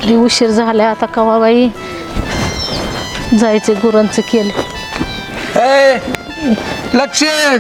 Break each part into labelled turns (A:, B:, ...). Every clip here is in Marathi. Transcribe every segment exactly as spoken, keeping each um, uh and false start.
A: लई उशीर झाला आता कवा बाई जायचे गुरांचं केलं.
B: ए लक्ष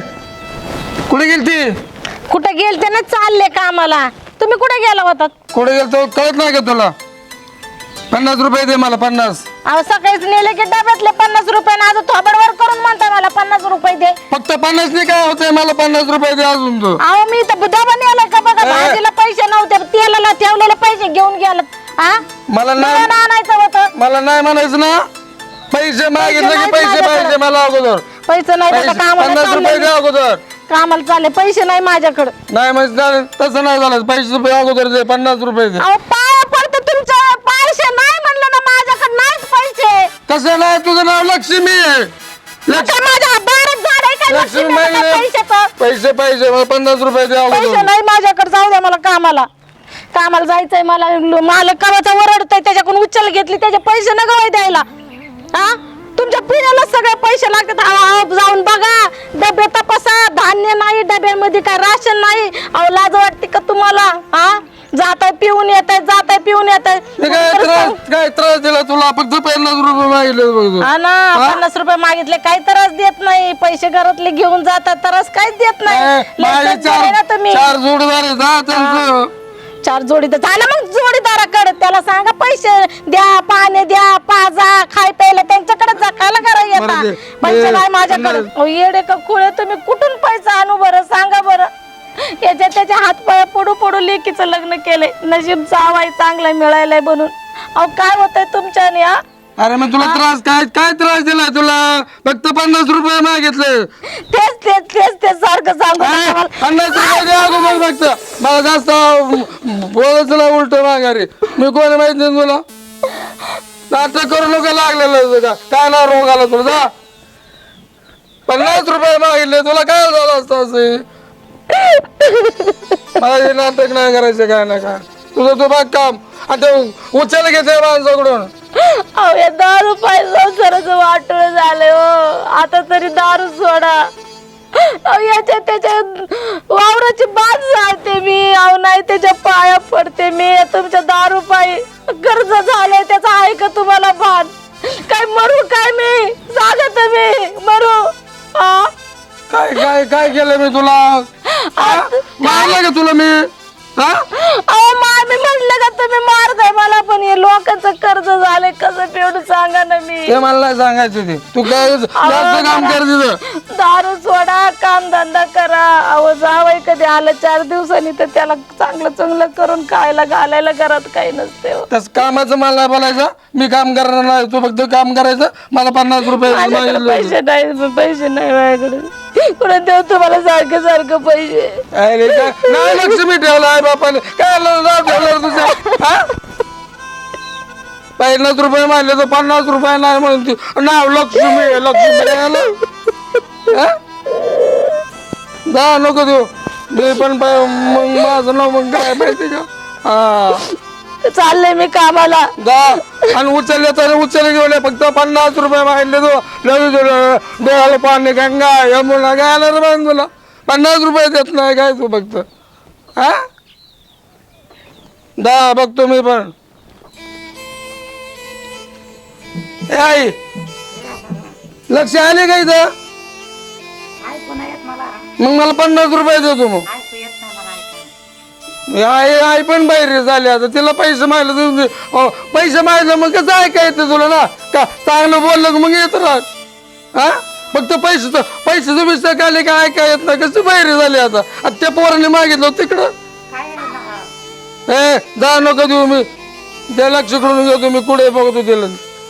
B: कुठे गेलती?
A: कुठे गेलते ना चालले कामाला. तुम्ही कुठे गेला होता?
B: कुठे गेलतो कळत नाही का तुला? पन्नास रुपये दे मला पन्नास.
A: अहो सकाळीच नेले की डब्यातले पन्नास रुपये ना आज थोबडवर करून म्हणता मला पन्नास रुपये दे.
B: फक्त पन्नास नाही काय होतंय मला पन्नास रुपये दे अजून तू.
A: अहो मी तर डबा नेला का बघा भाजीला पैसे नव्हते तेलाला ठेवलेले पैसे घेऊन गेला. हा
B: मला
A: मला
B: नाही
A: आणायचं होतं.
B: मला नाही म्हणायचं ना. पैसे मागितले की
A: नाहीत
B: पैसे
A: माझ्याकडे.
B: पाहिजे मला अगोदर.
A: पैसे नाही
B: पैसे-
A: तर कामाला
B: पन्नास रुपये
A: चालले
B: दे अगोदर.
A: कामाला चालले पैसे नाही माझ्याकडे.
B: नाही म्हणजे तसं नाही झालं. पैसे रुपये अगोदर दे पन्नास रुपये दे.
A: अहो पाया पडते तुमच्या पैसे नाही म्हणलं ना माझ्याकडे नाहीच पैसे.
B: कसं नाही तुझं नाव लक्ष्मी आहे. लक्ष-
A: आता माझ्या बारात झाड आहे का
B: लक्ष्मी
A: लक्ष्मी
B: माहिती
A: मला
B: नाही.
A: पैसे तर?
B: पैसे पैसे मला पन्नास रुपये दे
A: पैसे
B: अगोदर.
A: नाही माझ्याकडे जाऊ द्या मला कामाला. कामाला जायचंय मला. मालक कामाचा वरडतोय त्याच्याकडून उचल घेतली त्याचे पैसे न गवाय द्यायला. हा तुमच्या पिण्याला सगळे पैसे लागतात. अहो, जाऊन बघा डबे तपासा. धान्य नाही डब्यामध्ये काय राशन नाही. अहो लाज वाटते का तुम्हाला? हा जाताय पिऊन येत आहे जाताय पिऊन येत आहे.
B: ते काय त्रास काय त्रास दिला तुला? फक्त पन्नास रुपये मागितले बघ तू.
A: हा ना पन्नास रुपये मागितले काही त्रास देत नाही. पैसे घरातले घेऊन जातात त्रास काहीच देत नाही.
B: ए,
A: लय
B: माझे
A: सज्जन आहे ना
B: चार
A: तुम्ही.
B: चार जोडदार आहेत हा त्यांचं.
A: चार जोडी तर झालं मग जोडीदाराकडे त्याला सांगा पैसे द्या पाणी द्या पाजा खाय प्यायला त्यांच्याकडे जा. काला करा येता
B: बरं ते-
A: पैसे
B: ते-
A: नाही माझ्याकडे. अहो, येडे का कुळे तुम्ही कुठून पैसा आणू बरं सांगा बरं. याच्या त्याच्या हात पाय पडू पडू लेकीचं लग्न केलंय. नशीब जावाय चांगला मिळायलाय बनून. अहो काय होतंय तुमच्याने? हा
B: अरे मग तुला त्रास काय काय त्रास दिलाय तुला? फक्त पन्नास रुपये मागितले.
A: तेच तेच तेच तेच सारखं सांगू नका
B: ए,
A: मला.
B: पन्नास रुपये द्या अगोदर फक्त. मला जास्त बोलच ना उलट माघारी. मी कोणी माहित नाही तुला. नाटक करू नका लागलेलं का काय ना रोग आला तुला जा. पन्नास रुपये मागितले तुला काय झालं असतं असे? मला हे नाटक नाही करायचं काय ना काय. तुझं तू बघ काम आणि ते उचल घेते माणसाकडून.
A: अहो या दारू पाय संसाराचं वाटोळ झालंय हो. आता तरी दारू सोडा. अहो याच्या त्याच्या वावराची बाज जाते मी. अहो नाही त्याच्या पाया पडते मी. तुमच्या दारू पायी कर्ज झालंय त्याचं आहे का तुम्हाला भान? काय मरू काय मी? सांगा तुम्ही मरू? हा
B: काय काय काय केलं मी तुला? मारलं का तुला मी? हा
A: अहो मामी म्हटलं का तुम्ही मारताय मला. पण हे लोकांचं कर्ज झालंय कसं फेडू सांगा ना मी.
B: ते मला नाही सांगायचं ते. तू काय जास्त काम कर तिथं.
A: दारू सोडा काम धंदा करा. अहो जावई कधी आलं चार दिवसांनी तर त्याला चांगलं चांगलं करून खायला घालायला घरात काही नसते हो.
B: तस कामाचं मला नाही बोलायचं. मी काम करणार नाही. तू फक्त काम करायचं. मला पन्नास रुपये
A: माझ्याकडे
B: मागितले.
A: पैसे नाही पैसे नाही माझ्याकडे. कुठे देऊ तुम्हाला सारखं सारखं पैसे?
B: अरे काय नाही लक्ष्मी ठेवलं आहे बापाने. काय नाव ठेवलं तुझं? हा पन्नास रुपये मारले तर पन्नास रुपये नाही म्हणून ती नाव लक्ष्मी आहे, लक्ष्मी आहे. हा? जा नको देऊ. मी पण पाय- मग माझं नाव मग काय माहिती का? हा
A: चालले मी कामाला.
B: जा आणि उचलले तर उचल घेऊन ये. फक्त पन्नास रुपये मागितले तू. देवाला पाणी गंगा यमुना काय आलं रे बाई तुला? पन्नास रुपये देत नाही काय तू फक्त? हा जा बघतो मी पण. ए आई लक्ष आले का इथं? मग मला पन्नास रुपये देतो. मग आई आई पण बाहेर झाली आता. तिला पैसे मागले पैसे मागले मग कसं ऐकायचं तुला ना का? चांगलं बोललं मग येत राहत. हा फक्त पैसे पैशाचं विषय आले का ऐका येत नाही. कसं बाहेर झाले आता? आता त्या पोराने मागितलं तिकडं. ए जा नको देऊ. मी त्या लक्ष करून घेतो. मी कुठे बघतो तिला.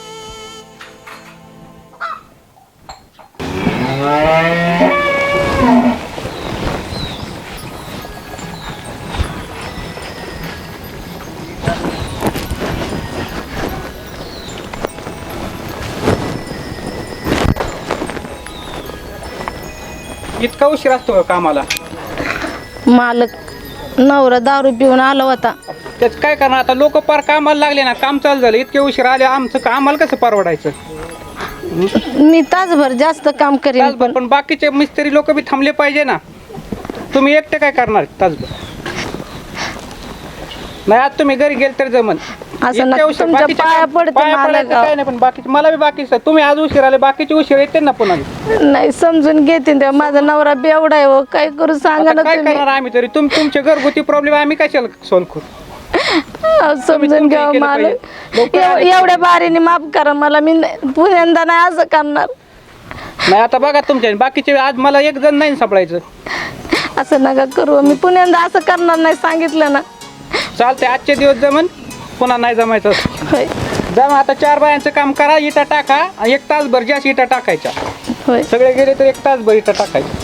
C: इतका उशीर असतो का कामाला?
A: मालक नवरा दारू पिऊन आला होता.
C: त्याच काय करणार आता? लोक पार कामाला लागले ना. काम चालू झालं इतके उशीर आले. आमचं कामाला कसं परवडायचं?
A: मी तासभर जास्त काम करेन
C: तासभर पण बाकीचे मिस्त्री लोक बी थांबले पाहिजे ना. तुम्ही एकटे काय करणार तासभर? नाही आज तुम्ही घरी गेल तर जमन.
A: असं ना
C: इतक्या उशीर
A: तुमच्या
C: बाकीच्या
A: पाया
C: काम-
A: पडते
C: पाया
A: मला
C: पडायचं
A: गाव.
C: काय नाही, पण बाकीचे मला बी बाकी तुम्ही आज उशीर आले, बाकीचे उशीर येते ना पुन्हा.
A: नाही समजून घेते तेव्हा माझा नवरा बेवडा आहे हो, काय करू सांगा
C: आता
A: ना
C: काय
A: तुम्ही.
C: करणार आम्ही तरी, तुम तुमचे घरगुती प्रॉब्लेम आम्ही कशाला सॉल्व्ह करू.
A: अहो, समजून
C: तुम्ही
A: घ्या
C: केलं
A: मला
C: पाहिजे. लोकं
A: एव-
C: आले
A: एवढ्या बारीने माफ करा मला, मी नाही- पुण्यांदा नाही असं करणार.
C: नाही आता बघा तुमच्या बाकीचे, आज मला एक जण नाही सापडायचं.
A: असं नका करू, मी पुण्यांदा असं करणार नाही सांगितलं ना.
C: चालते आजचे दिवस जमन, पुन्हा नाही जमायचं.
A: होय
C: जमा आता चार बायांचं काम करा, इटा टाका आणि एक तासभर जास्त इटा टाकायच्या.
A: होय
C: सगळे गेले तर एक तासभर इटा टाकायच्या.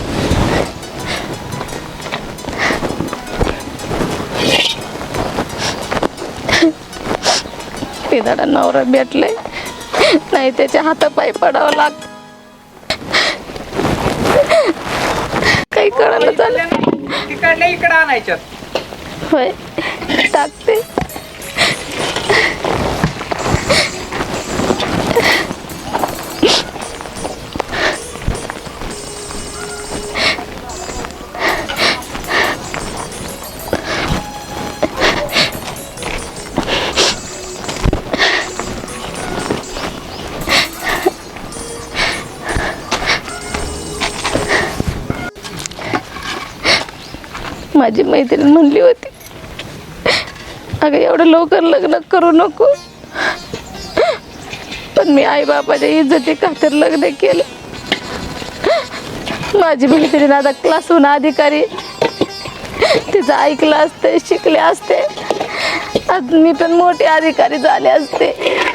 A: पिदाडा नवरा भेटले नाही त्याच्या हातापायी पडावं लागत. काही कळालं झालं.
C: तिकडल्या इकडे आणायच्यात.
A: होय टाकते. माझी मैत्रीण म्हणली होती, अगं एवढं लवकर लग्न करू नको, पण मी आई बापाच्या इज्जती खातर लग्न केलं. माझी मैत्रीण आता क्लासहून अधिकारी, तिचं ऐकलं असते, शिकले असते, आज मी पण मोठे अधिकारी झाले असते.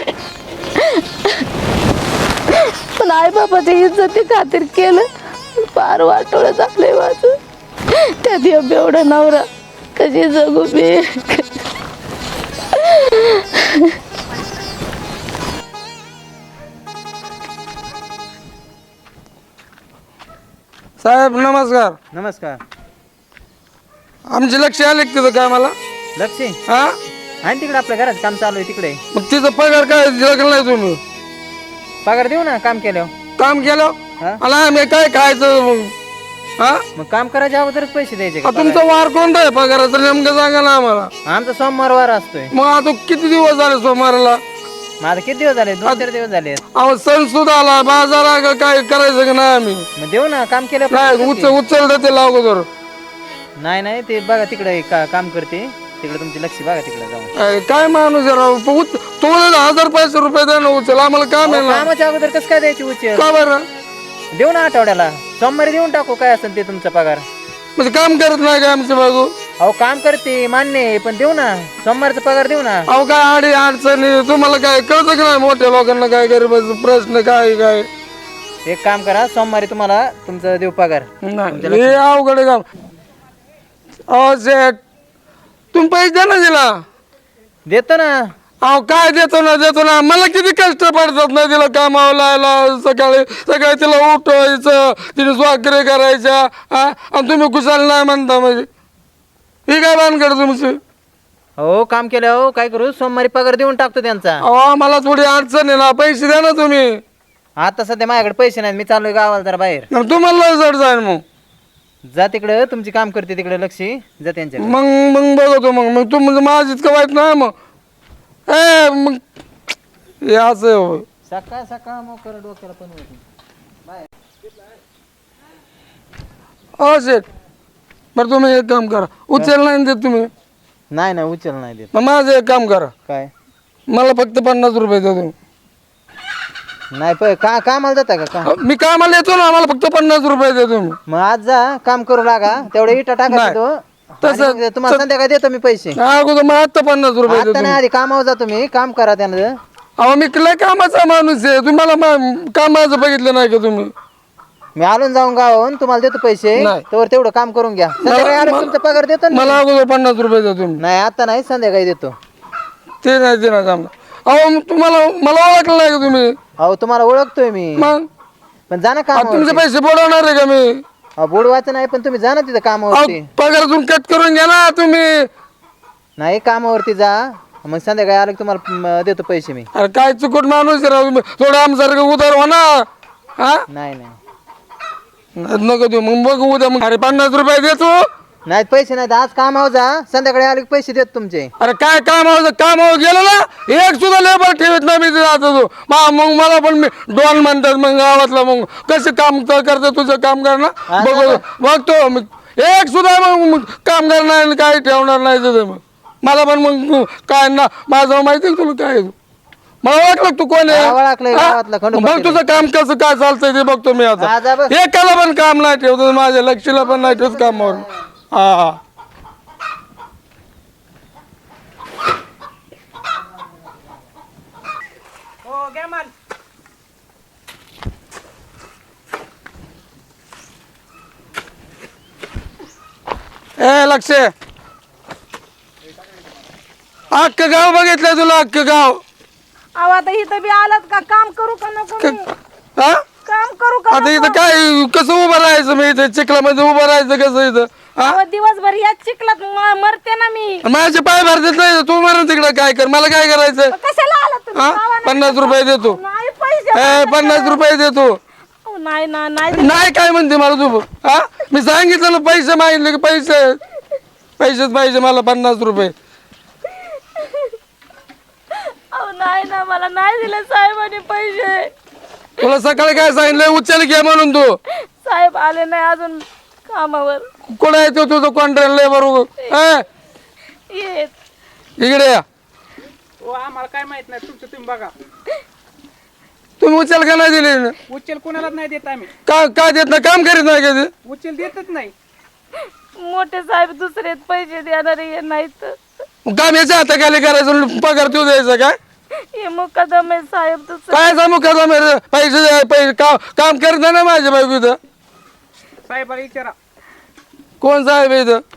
A: पण आई बापाच्या इज्जती खातीर केलं, फार वाटोळं झालंय माझं. त्यात एवढा नवरा कशी जगू मी.
B: साहेब नमस्कार.
D: नमस्कार.
B: आमचे लक्ष आले का तिथं काय मला?
D: लक्ष्मी
B: हा
D: आहे तिकडे, आपल्या घरात काम चालू आहे तिकडे.
B: मग तिचं पगार काय दिला नाही तुम्ही?
D: पगार देऊ ना काम केल्यावर.
B: काम केलं
D: हा?
B: मला आम्ही काय खायचं मग? हा
D: मग काम करायच्या अगोदरच पैसे द्यायचे का
B: आ, तुमचा वार कोणता आहे पगाराचा नेमकं सांगा ना आम्हाला.
D: पगार? आमचा सोमवार वार असतोय.
B: मग आता किती दिवस झाले सोमवारला?
D: माझा किती दिवस झाले? दोन चार दिवस झाले.
B: अहो सण सुद्धा आला, बाजार आला, काय करायचं का नाही आम्ही?
D: मग देऊ ना काम केलं.
B: नाही उचल उचल देते अगोदर.
D: नाही नाही ते बघा तिकडे का, काम करते तिकडे तुमची लक्ष बघा तिकडे जाऊन.
B: काय काय माणूस आहे राव. प- उच- तो म्हणला हजार पाचशे रुपये द्या ना उचल, आम्हाला काम आहे
D: अहो,
B: ना.
D: कामाच्या अगोदर कसं काय द्यायची उचल?
B: का बरं?
D: देऊ ना आठवड्याला, सोमवारी देऊन टाकू काय असेल ते तुमचा पगार.
B: म्हणजे काम करत नाही का आमचे बाजू?
D: अहो काम करते मान्य आहे, पण देऊ ना सोमवारचा पगार देऊ ना.
B: अहो काय आडी अडचणी तुम्हाला काय कळतं की नाही? मोठ्या लोकांना काय गरीबाचं प्रश्न काय काय
D: एक काम करा, सोमवारी तुम्हाला तुमचा देऊ पगार.
B: नाही हे अवघड आहे काम. अहो सेठ तुम्ही पैसे द्या ना तिला.
D: देतो ना.
B: अहो काय देतो ना देतो ना, मला किती कष्ट पडतात ना तिला कामावर लायला. सकाळी सकाळी तिला उठवायचं, तिने स्वाकरी करायच्या, हा आणि तुम्ही कुशाल नाही म्हणता. म्हणजे ही काय भानगड तुमची?
D: हो काम केलं. हो काय करू, सोमवारी पगार देऊन टाकतो त्यांचा.
B: अहो मला थोडी अडचण आहे ना, पैसे द्या ना तुम्ही.
D: आता सध्या माझ्याकडे पैसे नाहीत, मी चाललोय गावाला जरा बाहेर.
B: मग तुम्हाला जड जाईल. मग
D: जा तिकडे, तुमची काम करते तिकडे लक्ष्मी, जा त्यांच्याकडे.
B: मग मग बघतो. मग मग तू म्हणजे माझं इतकं वाईट नाही मग. ए मग हे असं होय.
D: सकाळ सकाळ मोकर डोक्याला पण होत नाही.
B: हो शेठ बरं तुम्ही एक काम करा, उचल नाही देत तुम्ही.
D: नाही नाही उचल नाही देत.
B: मग माझं एक काम करा,
D: काय
B: मला फक्त पन्नास रुपये द्या तुम्ही.
D: नाही प का कामाला जाता का का?
B: मी कामाला येतो ना, मला फक्त पन्नास रुपये द्या तुम्ही.
D: मग आज जा काम करू लागा, तेवढे इटा टाका
B: नाही.
D: तो.
B: तसं-
D: आणि मग तुम्हाला संध्याकाळी देतो मी पैसे.
B: हा, अगोदर मग आता पन्नास रुपये द्या
D: आता
B: तुम्ही.
D: नाही, आधी कामावर जा तुम्ही, काम करा त्यानं.
B: अहो मी लय कामाचा माणूस आहे, तुम्हाला मा- कामाचं बघितलं नाही का तुम्ही?
D: मी आलून जाऊन गावाहून तुम्हाला देतो पैसे,
B: नाही.
D: तर तेवढं काम करून घ्या. संध्याकाळी आलं की तुमचा पगार देतो ना.
B: मला अगोदर पन्नास रुपये द्या तुम्ही.
D: नाही आता नाही, संध्याकाळी देतो.
B: ते नाही ते नाही जमणार. अहो मग तुम्हाला मला ओळखलं नाही का तुम्ही?
D: अहो तुम्हाला ओळखतोय मी,
B: मग
D: पण जा ना
B: आता
D: काम.
B: तुमचे पैसे बुडवणार आहे का मी?
D: बुडवायचं नाही, पण तुम्ही जा ना तिथं कामावरती.
B: अहो, पगारातून कट करून घ्या ना तुम्ही.
D: नाही कामावरती जा, मग संध्याकाळी आलं की तुम्हाला म, देतो पैसे मी.
B: अरे काय चुकट माणूस आहे राव तुम्ही, थोडं आमच्यासारखं उधार हो ना. हा
D: नाही नाही
B: नको देऊ मग बघू उद्या. मग अरे पन्नास रुपये देतो
D: नाही पैसे नाहीत आज कामावर जा संध्याकाळी आले की पैसे देत तुमचे.
B: अरे काय कामावर कामावर गेलो ना एक सुद्धा लेबर ठेवत नाही मी जातो तू मा- मग मला पण मी डॉन म्हणतात मग गावातला मग कसं काम करतं तुझं काम करणं बघ बघतो मी एक सुद्धा मग मग काम करणार नाही काही ठेवणार नाही तुझं मग मला पण मग काय ना माझं माहिती आहे तुला काय आहे. मला ओळखलं तू कोण
D: हा, ओळखलंय
B: आहे
D: गावातला
B: हा?
D: खंडोबा
B: बघ तुझं काम कसं काय चालतंय ते बघतो मी
D: हा,
B: आता
D: जा बघ.
B: एकाला पण काम नाही ठेवतो माझ्या लक्षला पण नाही ठेवत कामावर हा हा
C: हो घ्या माल.
B: ए लक्ष अख्खं गाव बघितलंय तुला अख्खं गाव
A: अहो आता इथं बी आलात का काम करू का नको मी?
B: हा
A: काम करू का
B: आता
A: नको?
B: इथं काय कसं उभं राहायचं मी इथं चिखलामध्ये उभं राहायचं कसं इथं हा
A: अहो, दिवसभर याच चिखलात म- मरते ना मी.
B: माझ्या पाय भरतात नाही तू म्हणून तिकडं काय कर मला काय करायचं
A: कशाला आला तुम्ही?
B: हा
A: गावाला
B: पन्नास रुपये देतो
A: नाही पैसे
B: ए पन्नास रुपये देतो
A: अहो, नाही ना नाही
B: नाही काय म्हणते मला तू हा मी सांगितलं ना पैसे मागितले की पैसे पैसेच पाहिजे मला पन्नास रुपये
A: अहो, नाही ना मला नाही दिले साहेबांनी पैसे.
B: तुला सकाळी काय सांगितलं उचल घे म्हणून तू
A: साहेब आले नाही अजून कामावर.
B: कुठं येतो तुझं कॉन्ट्रॅक्ट लेबर
A: येत
B: इकडे या
C: हो आम्हाला काय माहित नाही तुमचं तुम्ही बघा.
B: तुम्ही उचल का नाही दिली
C: उचल कोणालाच नाही देत आम्ही.
B: का काय देत नाही काम करीत नाही कधी
C: उचल देतच नाही.
A: मोठे साहेब दुसरे पैसे देणारे नाहीत.
B: काम याच्या हाताखाली करायचं पगार तू द्यायचा काय
A: हे मुकदम आहे साहेब दुसरे.
B: काय सांगू का पैसे द्या, पैसे का- काम करत नाही ना माझ्या बायको इथं
C: साहेबाला विचारा.
B: कोण साहेब आहे इथं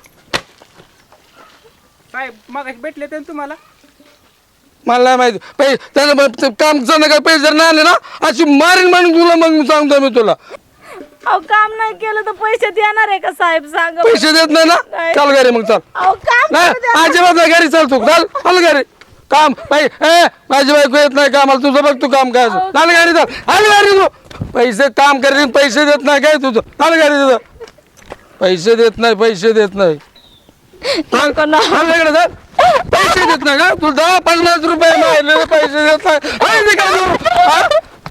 C: साहेब मग भेटले तर तुम्हाला.
B: मला नाही माहिती पैसे त्यानं मग ते काम काय पैसे जर नाही आले ना अशी मारीन म्हणून तुला मग सांगतो मी तुला
A: अहो काम नाही केलं तर पैसे देणार आहे का साहेब सांगा बरं.
B: पैसे देत नाही ना
A: नाही.
B: चाल घरी मग चाल
A: अहो काम
B: नाही
A: करू द्या.
B: अजिबात नाही घरी चाल तू चाल चाल घरी काम बाई ए माझी बायको येत नाही कामाला तुझं बघ तू काम काय असं. चाल घरी चाल आल घरी तू पैसे काम करीन पैसे देत नाही काय तुझं चाल घरी तुझं पैसे देत नाही पैसे देत नाही चाल चाल इकडे चाल पैसे देत नाही का तू दहा पन्नास रुपये मारले पैसे देत नाही हाय ते काय तू? हा?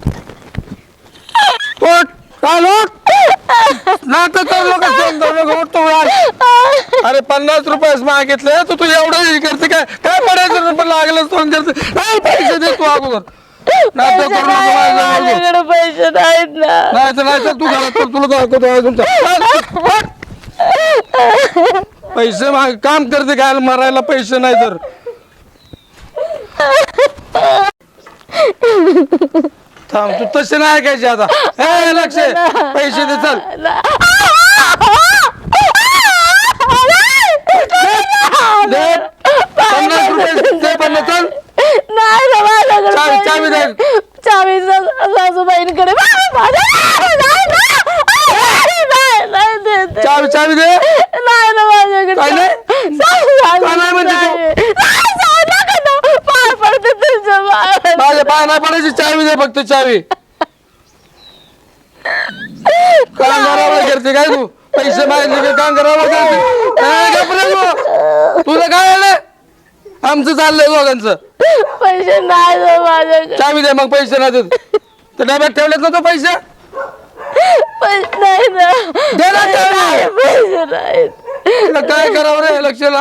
B: उठ, चाल उठ. नाटक करू नका, फोन करू नका, उठ तू आज. अरे पन्नास रुपये मागितले तू तू एवढं हे करते काय काय पडायचं पण लागलंच फोन करते नाही पैसे दे तू अगोदर नाटक करू नको माझ्याजवळ.
A: माझ्याकडे पैसे नाहीत ना.
B: नाही तर नाही तर तू घरात चल, तुला दाखवतो अजून तर. चल, उठ. पैसे माग काम करते काय मरायला पैसे नाही तर थांब तू तसे नाही ऐकायचे आता ए लक्ष पैसे दे चल दे. पन्नास रुपये दे पन्नास चल
A: नाही ना माझ्याकडे
B: चावी-
A: पैसे
B: चावी दे.
A: नाही. चावी सा- सासूबाईंकडे माझ्या- नाही, नाही, नाही, नाही, नाही देत.
B: चावी चावी दे
A: नाही ना माझ्याकडे
B: काय नाही?
A: सासू-
B: काय नाही म्हणते तू?
A: नाही, जाऊ नका ना. पाय पडते तुमच्या पायावर.
B: माझ्या पाय नाही पडायची चावी दे फक्त चावी काम करावं करते काय तू पैसे मागितले का काम करावं करते ए, गप्प रे तू. तुझं काय आलं आमचं चाललंय दोघांचं
A: पैसे नाही ना माझ्याकडे.
B: चावी दे मग पैसे नाही देत तर डब्यात ठेवलेत ना तो पैसे
A: पैसे नाही ना.
B: दे ना चावी.
A: नाही, पैसे नाहीत.
B: तुला काय करावं रे लक्षला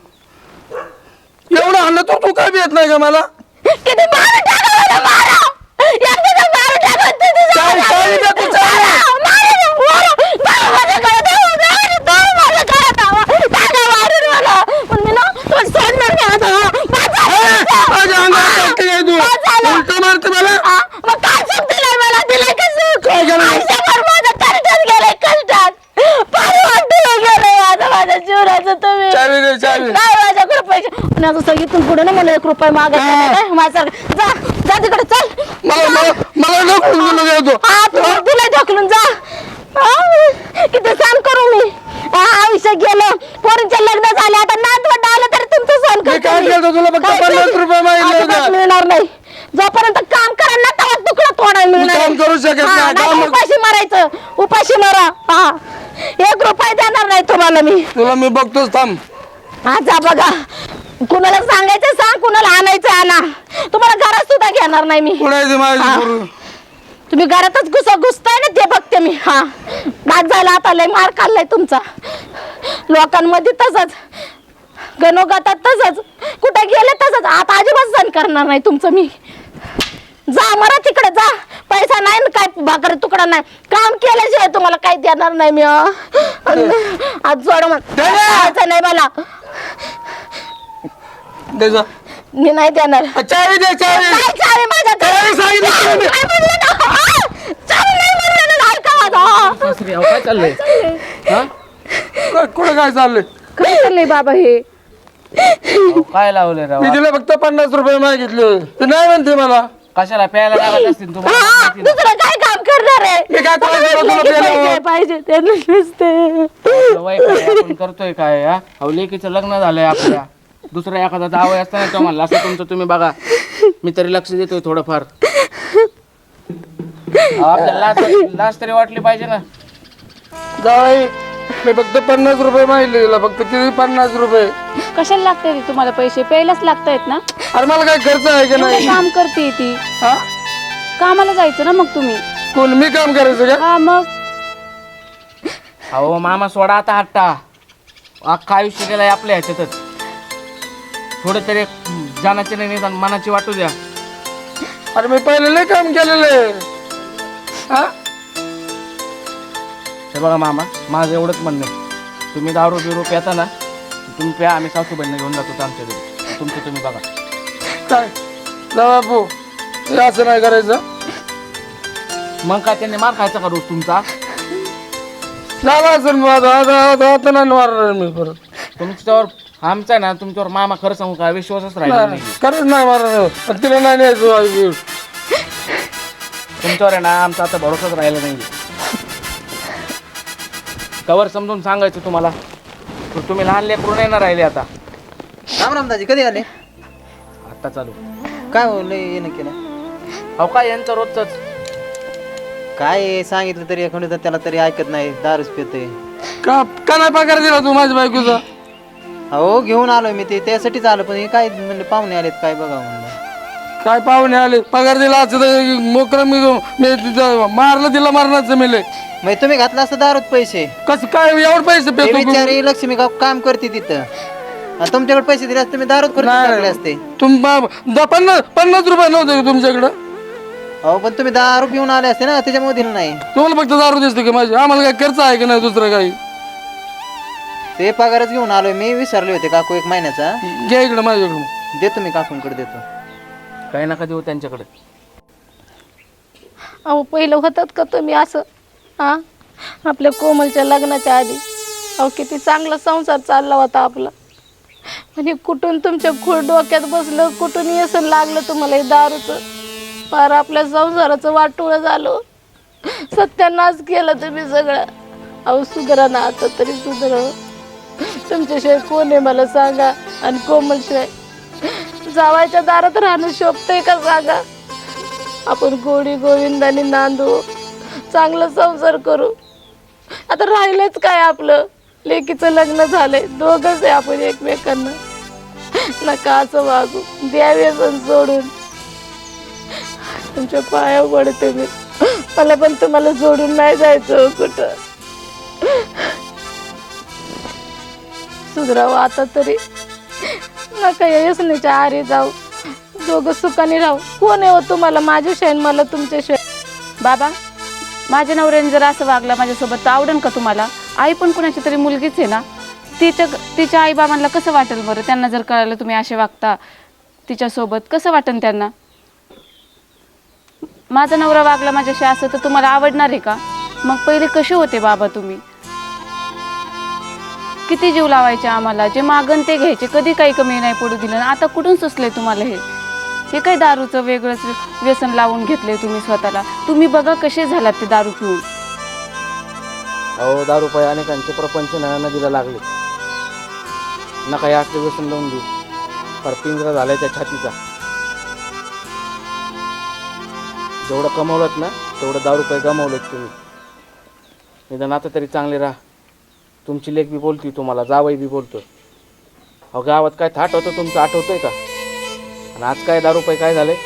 B: एवढं आणलं तू तू काय येत नाही का मला
A: किती मारून टाका मला, मारा. एकदा मारून टाका, तिथे जाऊ
B: चावी-
A: नका.
B: चावी दे तू, चावी.
A: मारा, मारा, मारा. टाका माझ्याकडे, टाका, टाका, टाका माझ्याकडे, टाका. टाका मारून मला. पण मी ना तुला सोडणार नाही आता. माझा-
B: माझ्या अंगावर टाकते काय तू
A: माझा-
B: उलट मारते मला
A: आ, मग काय चूक दिलंय मला? दिलंय का चूक?
B: काय केलं?
A: आयुष्यभर माझं कष्टात गेलंय, कष्टात. पाणी वाटून गेलंय आता माझ्या जीवनाचं तुम्ही.
B: चावी दे चावी
A: नाही माझ्याकडे पैसे आणि आता सांगितून पुढे ना मला एक रुपये मागायचा माझ्यासारखं जा जा तिकडे चल.
B: मला मला मला नको बोलू दे तू
A: हा तू तुला ढकलून जा. हा, किती सण करू मी. हा, आयुष्य गेलं, पोरींचे लग्न झाले, आता नातवंड आलं तर तुमचं सण
B: मी
A: करते
B: काय
A: मी.
B: केलं तुला फक्त
A: काय
B: पन्नास
A: केलं?
B: रुपये मागितले
A: अजिबात
B: होते
A: मिळणार नाही. जोपर्यंत काम करा ना तेव्हा तुकडा तोडायला
B: मी
A: मिळणार.
B: काम करू शकत
A: हा,
B: नाही.
A: नाही
B: काम-
A: उपाशी मारायचं, उपाशी मारा. हा एक रुपया देणार नाही तुम्हाला मी.
B: तुला मी बघतोच थांब.
A: हा जा बघा, कुणाला सांगायचं सांग, कुणाला आणायचं आणा. तुम्हाला घरात सुद्धा घेणार नाही मी.
B: कुठे आहे ती माझी
A: हा.
B: पोरं?
A: तुम्ही घरातच घुस घुसताय ना ते बघते मी. हा बाद झाला आता, लय मार खाल्लाय तुमचा लोकांमध्ये. तसंच गणोगातात तसंच, कुठे गेले तसंच. आता अजिबात सण करणार नाही तुमचं मी. जा मरा तिकडे जा. पैसा नाही ना काय भाकर तुकडा नाही. काम केल्याशिवाय तुम्हाला काही देणार नाही मी. आज जोड म्हणायचं नाही मला.
B: दे जा.
A: मी नाही देणार.
B: चावी दे चावी.
A: काय चावी माझ्या
B: चावी सांगितलं तुला मी.
A: काय म्हणलं ना? आ! चावी नाही म्हणलं ना, ऐका माझं.
C: काय चाललंय
B: काय- कुठं काय चाललंय?
A: काय चाललंय बाबा हे?
D: काय लावले राव
B: मी तिला फक्त पन्नास रुपये मागितले, ते नाही म्हणते मला.
D: कशाला प्यायला लागत असतील तुम्हाला
A: हा, दुसरं काय काम करणार आहे?
B: मी काय करायचं तुला
A: पाहिजे,
B: प्यायला?
A: पाहिजे त्यांना नुसते.
D: वय काय आपण करतोय काय हा अहो लेकीचं लग्न झालंय आपल्या दुसरा एखादा जावं असताना तो म्हणला असं तुमचं तुम्ही बघा मी तरी लक्ष देतोय थोडंफार अहो, आपल्याला लाज लाज तरी वाटली पाहिजे ना
B: जाई मी फक्त पन्नास रुपये मागितले तिला, फक्त किती पन्नास रुपये.
E: कशाला लागते तुम्हाला पैसे? प्यायलाच लागतायत ना.
B: अरे मला काय खर्च आहे का
E: एवढं
B: नाही?
E: काम करते ती.
B: हा?
E: कामाला जायचं ना मग तुम्ही.
B: कोण मी काम करायचं का?
E: हा मग
D: अहो मामा सोडा आता हट्टा अख्खा आयुष्य गेलाय आपल्या ह्याच्यातच थोडं तरी जाण्याचे नाही निदान मनाची वाटू द्या
B: अरे मी पहिले लय काम केलेलं आहे. हा?
D: हे बघा मामा माझं एवढंच म्हणणं आहे तुम्ही दारू बिरू प्याता ना तुम्ही प्या आम्ही सासूबाईंना घेऊन जातो आमच्या घरी तुमचं तुम्ही बघा
B: काय जा बापू, हे असं नाही करायचं.
D: मग काय त्यांनी मार खायचा का रोज तुमचा
B: झाला असेल मग आता आता आता आता नाही मारणार मी परत.
D: तुमच्यावर आमचा ना तुमच्यावर मामा खरं सांगू का विश्वासच राहिला नाही
B: खरंच नाही मारणार. पण तिला नाही न्यायचं.
D: तुमच्यावर आहे ना आमचा आता भरोसाच राहिला नाही कवर समजून सांगायचं तुम्हाला तर तुम्ही लहान लेकरून नाही ना राहिले आता राम राम दाजी कधी आले आता चालू काय हो लय येणं केलं अहो काय यांचं रोजच
F: काय सांगितलं तरी एखादं त्याला तरी ऐकत नाही, दारूच पितोय.
B: का का नाही पगार दिला तू माझ्या बायकोचा?
F: हो घेऊन आलोय मी ते त्यासाठीच आलो, पण हे काय म्हणले पाहुणे आलेत काय बघा म्हणलं.
B: काय पाहुणे आले, पगार दिला असं तर मोकरं मी मी तिथं मारलं तिला मारण्याचं मिले.
F: मग तुम्ही घातला असतं दारूत पैसे.
B: कसं काय एवढं पैसे
F: ते
B: पेतो?
F: बिचारी लक्ष्मी गाव काम करते तिथं, आणि तुमच्याकडे पैसे दिले असते तुम्ही दारूत खर्च टाकले असते.
B: तुम पन्नास पन्नास रुपये नव्हते का तुमच्याकडं?
F: हो पण तुम्ही दारू पिऊन आले असते ना, त्याच्यामुळे दिलं नाही.
B: तुम्हाला फक्त दारू दिसते का माझी? आम्हाला काय खर्च आहे का नाही दुसरं काही?
F: ते पगारच घेऊन आलोय मी, विसरले होते काकू एक महिन्याचा.
B: घ्या इकडं माझ्याकडून.
F: देतो मी काकूंकडे देतो.
D: काही नका देऊ त्यांच्याकडे
A: अहो पहिलं होतात का तुम्ही असं? हा आपल्या कोमलच्या लग्नाच्या आधी अहो किती चांगला संसार चालला होता आपला. म्हणजे कुठून तुमच्या खूळ डोक्यात बसलं, कुठून येसन लागलं तुम्हाला हे दारूचं. फार आपल्या संसाराचं वाटोळं झालं. सत्यानाश केलं तुम्ही सगळं. अहो सुधरा ना आता तरी सुधरा. तुमच्याशिवाय कोण आहे मला सांगा? आणि कोमलशिवाय जावायच्या दारात राहणं शोभतंय का सांगा? आपण गोडी गोविंदाने नांदू, चांगला संसार करू. आता राहिलंच काय आपलं? लेकीचं लग्न झालंय, दोघंच आहे आपण एकमेकांना. नका असं वागू, द्यावे सण सोडून. तुमच्या पाया पडते मी, मला पण तुम्हाला सोडून नाही जायचं कुठं. सुधरावं आता तरी. नका या यसनेच्या आरी जाऊ, दोघं सुखाने राहू. कोण आहे हो तुम्हाला माझ्याशिवाय, मला तुमच्याशिवाय?
E: बाबा, माझ्या नवऱ्याने जर असं वागला माझ्यासोबत तर आवडेल का तुम्हाला? आई पण कुणाची तरी मुलगीच आहे ना. तिच्या तिच्या आई बाबांना कसं वाटेल बरं? त्यांना जर कळालं तुम्ही असे वागता तिच्यासोबत, कसं वाटेल त्यांना? माझा नवरा वागला माझ्याशी असं तर तुम्हाला आवडणार आहे का? मग पहिले कसे होते बाबा तुम्ही? किती जीव लावायचे आम्हाला, जे मागण ते घ्यायचे, कधी काही कमी नाही पडू दिलं. आता कुठून सुचले तुम्हाला हे? हे काय दारूचं वेगळंच व्यसन लावून घेतलंय तुम्ही स्वतःला. तुम्ही बघा कसे झालात ते दारू पिऊन.
D: अहो दारू पाय अनेकांचे प्रपंच ना नदीला लागले नका या असले व्यसन लावून देऊ फार पिंजरा झालाय त्या छातीचा जेवढं कमवलं ना तेवढं दहा रुपये गमावलेत तुम्ही. निदान आता तरी चांगले राहा. तुमची लेक बी बोलती तुम्हाला, जावई बी बोलतो. अहो गावात काय थाट होतं तुमचं आठवतंय का? आणि आज काय दहा रुपये काय झाले?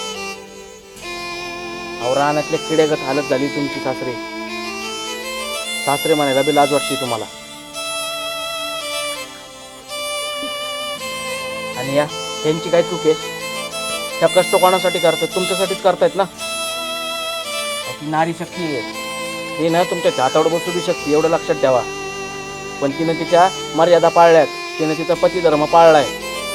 D: अहो रानातल्या किड्यागत हालत झाली तुमची सासरे. सासरे म्हणायला बी लाज वाटते तुम्हाला. आणि या त्यांची काय चूक आहे? त्या कष्ट कोणासाठी करतात? तुमच्यासाठीच करतायत ना. ती नारी शक्ती आहे, हे ना तुमच्या हातावर बसू बी शकते, एवढं लक्षात ठेवा. पण तिनं तिच्या मर्यादा पाळल्यात, तिनं तिचा पती धर्म पाळलाय.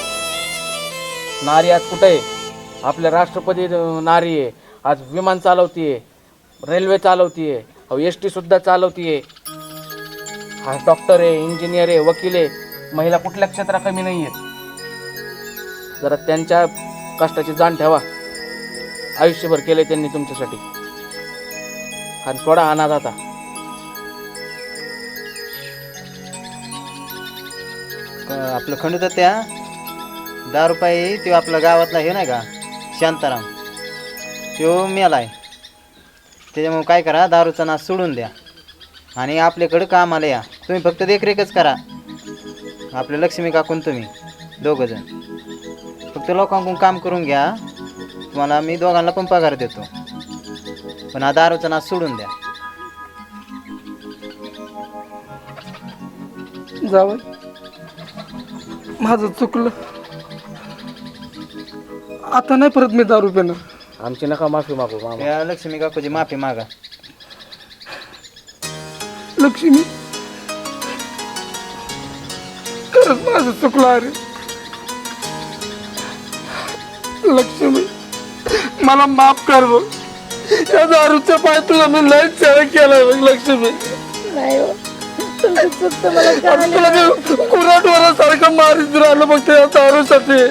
D: नारी आज कुठे आहे? आपल्या राष्ट्रपती नारी आहे, आज विमान चालवतीये, रेल्वे चालवतीये, अहो एस टी सुद्धा चालवतीये. हा डॉक्टर आहे, इंजिनियर आहे, वकील आहे. महिला कुठल्या क्षेत्रात कमी नाही आहेत. जरा त्यांच्या कष्टाची जाण ठेवा. आयुष्यभर केले त्यांनी तुमच्यासाठी. आणि सोडा अनाथ आता.
F: क- आपलं खंडू त्या दहा रुपये तो आपल्या गावातला हे नाही का शांताराम, तो मेलाय. त्याच्यामुळे काय करा, दारूचा नाश सोडून द्या आणि आपल्याकडं कामाला या. तुम्ही फक्त देखरेखच करा. आपल्या लक्ष्मी काकून तुम्ही दोघं जण फक्त लोकांकडून काम करून घ्या. तुम्हाला मी दोघांना पण पगार देतो, पण हा दारूचा नाश सोडून द्या.
B: जावं माझं चुकलं. आता नाही परत मी दारू पिणार.
D: आमची नका माफी मागू मामा.
F: त्या लक्ष्मी काकूची माफी मागा.
B: लक्ष्मी खरंच माझं चुकलं अरे. लक्ष्मी मला माफ कर बघ. या दारूच्या पाय तुला मी लय चेहरा केलाय बघ लक्ष्मी.
A: नाही हो, तुमची चूक तर मला
B: आणि
A: कळली.
B: तुला मी कुऱ्हाडवारासारखं मारीत राहिलं बघ त्या दारूसाठी.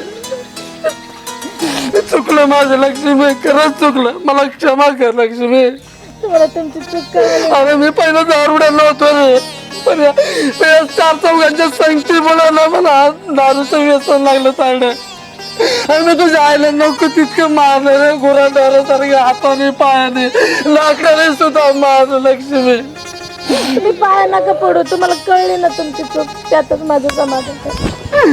B: चुकलं माझं लक्ष्मी, खरंच चुकलं. मला क्षमा कर लक्ष्मी.
A: तुम्हाला तुमची चूक कळली.
B: अरे मी पहिलं दारुड्याला होतो रे, पण या या चार चौघांच्या संगतीमुळे ना मला दारूचं व्यसन लागलं चालणं. आणि मी तुझ्या आईला नको तितकं मारलं रे, गुराढोरासारखे हाताने पायाने लाकडाने सुद्धा मारलं लक्ष्मी.
A: तुम्ही पाया नका पडू, तुम्हाला कळली ना तुमची चूक, त्यातच माझं समाधान आहे.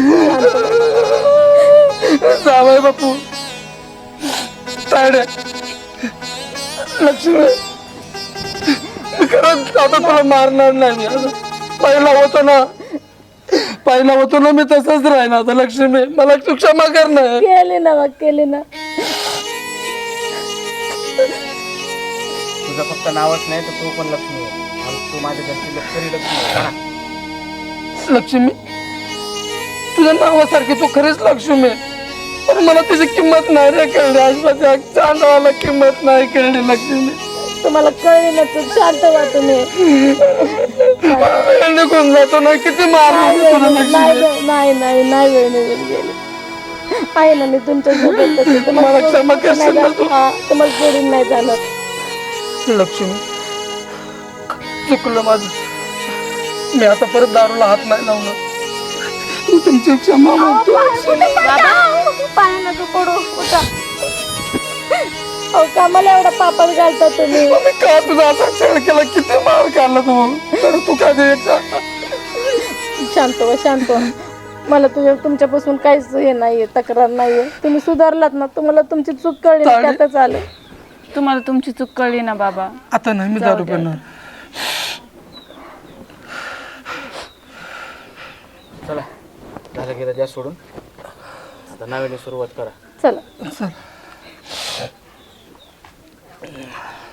B: जावय बापू तायड्या. लक्ष्मी खरंच आता तुला मारणार नाही मी. आता पहिला होतो ना पहिला होतो ना मी तसंच राहीन आता लक्ष्मी. मला तू क्षमा कर ना.
A: केली ना मग, केली ना.
D: तुझं फक्त नावच नाही तर तू पण लक्ष्मी आहे. आणि तू माझ्या घरची लक्ष्मी लक्ष्मी आहे ना.
B: लक्ष्मी तुझ्या नावासारखी तू खरीच लक्ष्मी आहे, पण मला तुझी किंमत नाही रे कळली. आजपासून चांदवाला किंमत नाही कळली लक्ष्मी.
A: तुम्हाला कळली ना चूक, शांत व्हा तुम्ही.
B: वेळ निघून जातो ना, किती मारलं मी तुला
A: नाही
B: लक्ष्मी.
A: नाही नाही नाही वेळ निघून गेली. आहे ना मी तुमच्या सोबत.
B: मला क्षमा करशील ना तू?
A: तुम्हाला सोडून नाही जाणार.
B: लक्ष्मी चुकलं माझं. मी आता परत दारूला हात नाही लावणार. तू तुमची क्षमा मागतो.
A: पाया नका पडू, उठा. अहो कामाला एवढा पापात घालता तुम्ही.
B: मी का तुझा असा छळ केला, किती मार काढला तू, तर तू काय द्यायचा.
A: शांत व्हा, शांत व्हा. मला तुझ्या तुमच्यापासून काहीच हे नाहीये, तक्रार नाहीये. तुम्ही सुधारलात ना, तुम्हाला तुमची चूक कळली ना, त्यातच आलं.
E: तुम्हाला तुमची चूक कळली ना बाबा.
B: आता नाही मी दारू पिणार.
D: चला झालं गेलं, द्या सोडून. आता नव्याने सुरुवात करा.
A: चला.
B: चल